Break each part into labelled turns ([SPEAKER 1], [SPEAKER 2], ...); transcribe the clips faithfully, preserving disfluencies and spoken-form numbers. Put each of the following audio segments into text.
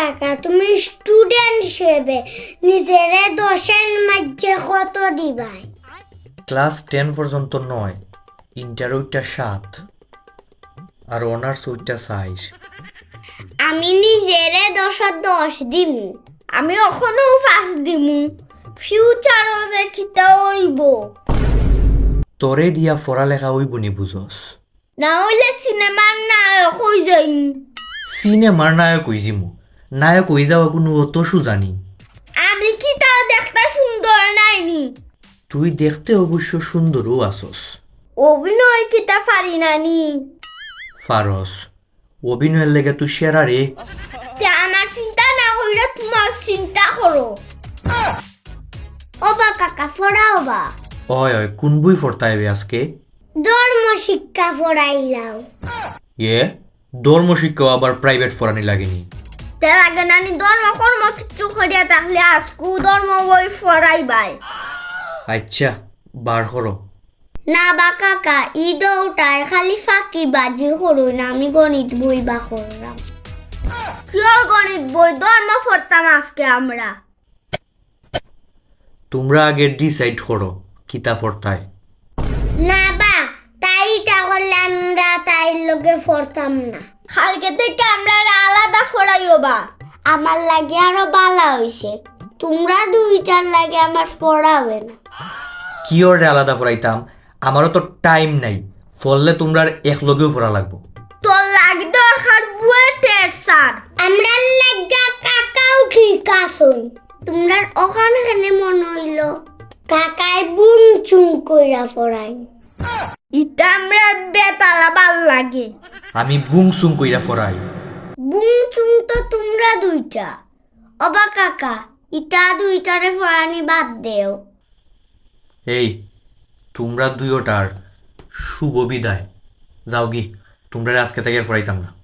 [SPEAKER 1] কাকা তুমি স্টুডেন্ট হিসেবে নিজেরে দশের মধ্যে কত দিবাই?
[SPEAKER 2] ক্লাস টেন পর্যন্ত নয়, ইন্টার ওইটা সাত, আর অনার্স ওইটা সাইজ।
[SPEAKER 1] আমি নিজেরে দশত দশ দিমু। আমি এখনো পাঁচ দিমু। ফিউচারও যে খিতা হইব।
[SPEAKER 2] তোরে দিয়া পড়ালেখা হইব নি বুঝস?
[SPEAKER 1] না হইলে সিনেমার নায়ক হই যাই।
[SPEAKER 2] সিনেমার নায়ক হইজিমু, নায়ক হই যাওয়া কোনো অত সুজানি।
[SPEAKER 1] আমি কি তাও দেখতে সুন্দর নাইনি?
[SPEAKER 2] তুই দেখতে অবশ্য সুন্দরও আসস।
[SPEAKER 1] অভিনয় কিতা পারি নানি?
[SPEAKER 2] ফারস, অভিনয়ের লেগে তুই সেরা রে।
[SPEAKER 1] তে আমার চিন্তা না হইলে তোমার চিন্তা করো। ওবা কাকা পড়াও বা।
[SPEAKER 2] অয় অয় কোন বই পড়তাইবে আজকে?
[SPEAKER 1] ধর্ম শিক্ষা পড়াইলাম।
[SPEAKER 2] এ ধর্ম শিক্ষা আবার প্রাইভেট পড়ানি লাগেনি?
[SPEAKER 1] তে লাগে নানি ধর্ম কর্ম কিচ্ছু করিয়া তাহলে আজকু ধর্ম বই পড়াইবাই।
[SPEAKER 2] আচ্ছা বার করো।
[SPEAKER 1] না বা কাকা ঈদ ওটাই খালি ফাঁকি বাজি করুন না, আমি গণিত বই বা করলাম। কিয় গণিত বই? ধর্ম পড়তাম আজকে আমরা।
[SPEAKER 2] তোমরা আগে ডিসাইড করো কিতা পড়তায়।
[SPEAKER 1] না বা তাই তাহলে আমরা তাই লগে পড়তাম না। কালকে থেকে আমরা আলাদা পড়াইও বা। আমার লাগে আরো বালা হইছে, তোমরা দুইটার লাগে আমার পড়াবে না।
[SPEAKER 2] কি ওরে আলাদা পড়াইতাম? আমারও তো টাইম নাই, ফললে তোমরা এক লগেও পড়া লাগবো।
[SPEAKER 1] তোর লাগে দরকার বুয়েটের স্যার। আমরা লাগা কাকাও ঠিক আছে। তোমরা ওখানে কেন মনে হইল কাকাই বুং চুং কইরা পড়াই? ইটা আমরা বেতালা ভাল লাগে।
[SPEAKER 2] আমি বুংসুং কইরা পড়াই।
[SPEAKER 1] বুং চুং তো তোমরা দুইটা। অবা কাকা ইটা দুইটারে পড়ানি বাদ দেও।
[SPEAKER 2] এই তোমরা দুইটার শুভ বিদায়। যাও কি, তোমরা আজকে থেকে আর পড়াইতাম না।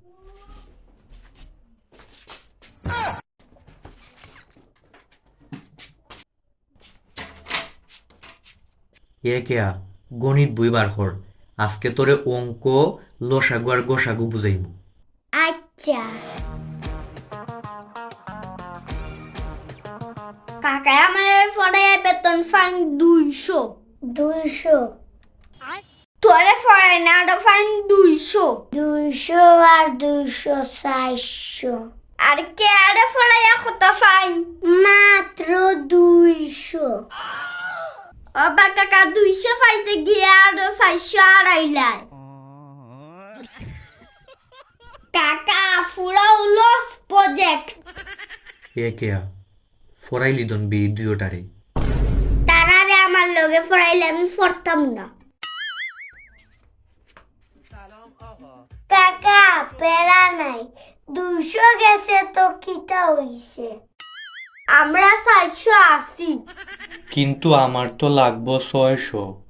[SPEAKER 2] এ কেয়া গণিত বই বার কর, আজকে তোরে অঙ্ক লসাগু আর গোসাগু বুঝাইব।
[SPEAKER 1] আচ্ছা কাকা আমার পড়ে বেতন ফাইন দুইশো। দুইশো? তোরে পড়াই না আরো ফাইন দুইশো। দুইশো আর দুইশো চারশো। আর কে আরে পড়াইয়া কত ফাইন? মাত্র দুইশো। অবা কাকা দুইশো পাইতে গিয়ে আরো চারশো আড়াইলাই। কাকা ফুরাও লস প্রজেক্ট।
[SPEAKER 2] এ কেয়া ফরাইলি দন বি দুইটারে।
[SPEAKER 1] তারারে আমার লগে পড়াইলে আমি পড়তাম না। কাকা পেরা নাই, দুইশো গেছে তো কিটা হইছে? আমরা চারশো আশি।
[SPEAKER 2] কিন্তু আমার তো লাগবো ছয়শো।